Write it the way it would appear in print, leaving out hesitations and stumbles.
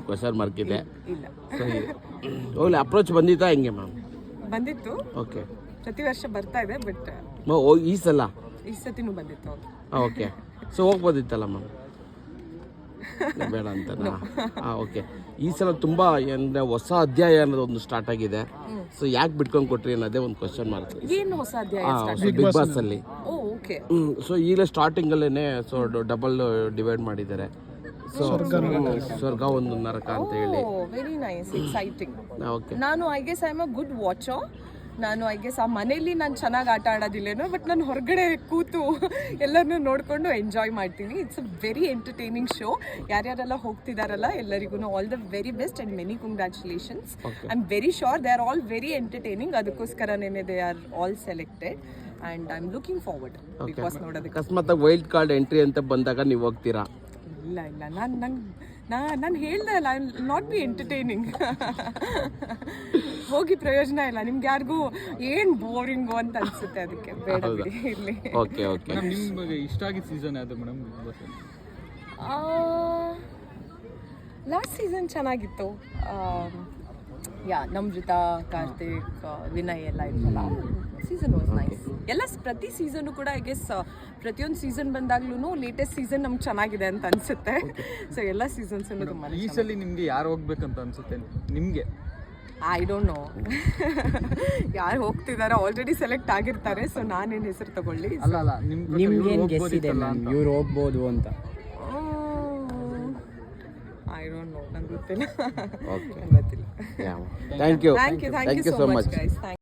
Question mark ಇದೆ. ಇಲ್ಲ ಸರಿ ಹೋಗ್ಲಿ, ಅಪ್ರೋಚ್ ಬಂದಿತ್ತಾ ಹೆಂಗೆ ಮ್ಯಾಮ್? ಬಂದಿತ್ತು, ಓಕೆ. ಪ್ರತಿ ವರ್ಷ ಬರ್ತಾ ಇದೆ, ಬಟ್ ಈ ಸಲ ಈ ಸತಿನೂ ಬಂದಿತ್ತು. ಓಕೆ. ಸೊ ಹೋಗ್ಬೋದಿತ್ತಲ್ಲ ಮ್ಯಾಮ್? ಬೇಡ ಅಂತನಾ? ಓಕೆ. ಈ ಸಲ ತುಂಬ ಅಂದರೆ ಹೊಸ ಅಧ್ಯಾಯ ಅನ್ನೋದು ಒಂದು ಸ್ಟಾರ್ಟ್ ಆಗಿದೆ. ಸೊ ಯಾಕೆ ಬಿಟ್ಕೊಂಡು ಕೊಟ್ರಿ ಅನ್ನೋದೇ ಒಂದು ಕ್ವಶನ್ ಮಾರ್ಕ್. ಏನು ಹೊಸ ಅಧ್ಯಾಯ? ಬಿಗ್ ಬಾಸ್ ಅಲ್ಲಿ. ಓಕೆ. ಸೊ ಈಗಲೇ ಸ್ಟಾರ್ಟಿಂಗಲ್ಲೇ ಸೊ ಡಬಲ್ ಡಿವೈಡ್ ಮಾಡಿದ್ದಾರೆ. ಸೊ ಸ್ವರ್ಗ ಒಂದು ನರಕ ಅಂತ ಹೇಳಿ. Very nice, exciting. ಓಕೆ. ನಾನು I guess I am a good watcher. ನಾನು ಐ ಗೆಸ್ ಆ ಮನೇಲಿ ನಾನು ಚೆನ್ನಾಗಿ ಆಟ ಆಡೋದಿಲ್ಲೇನೋ, ಬಟ್ ನಾನು ಹೊರಗಡೆ ಕೂತು ಎಲ್ಲರನ್ನೂ ನೋಡಿಕೊಂಡು ಎಂಜಾಯ್ ಮಾಡ್ತೀನಿ. It's a very entertaining show. ಯಾರ್ಯಾರೆಲ್ಲ ಹೋಗ್ತಿದಾರಲ್ಲ ಎಲ್ಲರಿಗೂ all the very best and many congratulations. I am very sure they are all very entertaining. ಅದಕ್ಕೋಸ್ಕರನೇ they are all selected and I am looking forward Bigg Boss ನೋಡೋದಕ್ಕೆ. ಅಕಸ್ಮಾತ್ wild card entry ಅಂತ ಬಂದಾಗ ನೀವು ಹೋಗ್ತೀರಾ? ಇಲ್ಲ, ನಾನು ಹೇಳ್ದೆ ಅಲ್ಲ, ಐ ನಾಟ್ ಬಿ ಎಂಟರ್ಟೈನಿಂಗ್. ಹೋಗಿ ಪ್ರಯೋಜನ ಇಲ್ಲ, ನಿಮ್ಗೆ ಯಾರಿಗೂ ಏನು ಬೋರಿಂಗು ಅಂತ ಅನ್ಸುತ್ತೆ, ಅದಕ್ಕೆ ಬೇಡ ಬಿಡಿ ಇಲ್ಲಿ. Okay okay. ನಿಮ್ಗೆ ಇಷ್ಟ ಆಗಿದ್ದ ಸೀಸನ್ ಯಾವುದು madam Bigg Boss? Last season ಚೆನ್ನಾಗಿತ್ತು. ನಮ್ರತಾ, ಕಾರ್ತಿಕ್, ವಿನಯ್ ಎಲ್ಲ ಇತ್ತಲ್ಲ, ಸೀಸನ್ ವಾಸ್ ನೈಸ್. ಎಲ್ಲ ಪ್ರತಿ ಸೀಸನ್ನು ಕೂಡ ಐ ಗೆಸ್ ಪ್ರತಿಯೊಂದು ಸೀಸನ್ ಬಂದಾಗ್ಲೂ ಲೇಟೆಸ್ಟ್ ಸೀಸನ್ ನಮ್ಗೆ ಚೆನ್ನಾಗಿದೆ ಅಂತ ಅನ್ಸುತ್ತೆ. ಸೊ ಎಲ್ಲ ಸೀಸನ್ಸನ್ನು ತುಂಬ. ಈ ಸಲ ನಿಮಗೆ ಯಾರು ಹೋಗ್ಬೇಕಂತ ಅನ್ಸುತ್ತೆ ನಿಮಗೆ? I don't know. ಯಾರು ಹೋಗ್ತಿದಾರೋ ಆಲ್ರೆಡಿ ಸೆಲೆಕ್ಟ್ ಆಗಿರ್ತಾರೆ. ಸೊ ನಾನೇನು ಹೆಸರು ತಗೊಳ್ಳಿ? ಅಲ್ಲ ನಿಮ್ಗೆ ಗೆಸ್ ಇದೆ ಇವ್ರು ಹೋಗ್ಬೋದು ಅಂತ? ಐ ಡೋಂಟ್ ನೋ, ನಂಗೆ ಗೊತ್ತಿಲ್ಲ. Thank you thank you so much guys.